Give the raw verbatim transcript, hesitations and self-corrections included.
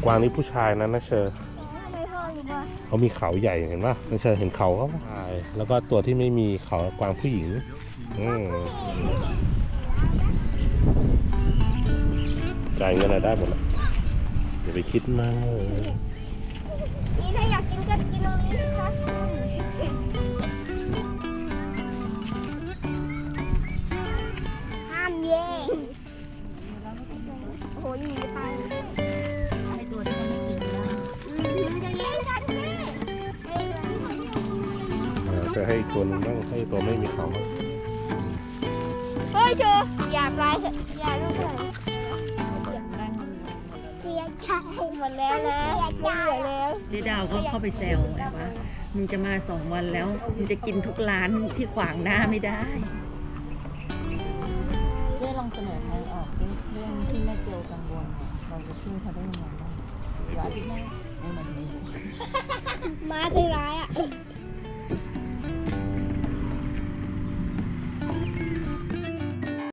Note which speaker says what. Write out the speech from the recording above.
Speaker 1: วางนี่ผู้ชายนะนะเชอร์
Speaker 2: ไม่พ่อหรือว่า
Speaker 1: เขามีเขาใหญ่เห็นป่ะนะเชอร์เห็นเขาเขาใช่แล้วก็ตัวที่ไม่มีเขากวางผู้หญิงอืมจ่ายเงินอะไรได้หมดแหละอย่าไปคิดมาก
Speaker 2: นี่ถ้าอยากกินก็กินตรงนี้นะคะห้ามแย่งโอ้โหอยู่ในไปให้ตัวที่มันกินนะจะแย่งกันแม่
Speaker 1: จะให้อีกตัวนึงบ้างให้ตัวไม่มีเขา
Speaker 2: เฮ้ยเชออย่าปลายอย่าลูกเลยเสียใจหมดแล้วนะไม่เหลือแล้ว
Speaker 3: เจ๊ดาวก็เข้าไปแซวไงว่ามึงจะมาสองวันแล้วมึงจะกินทุกร้านที่ขวางหน้าไม่ได้เจ๊ลองเสนอทางออกซิเรื่องที่แม่เจลกังวลเราจะช่วยเขาได้ยังไงบ้างอย่าที่แม่ให้มันมี
Speaker 2: มาใจร้ายอ่ะ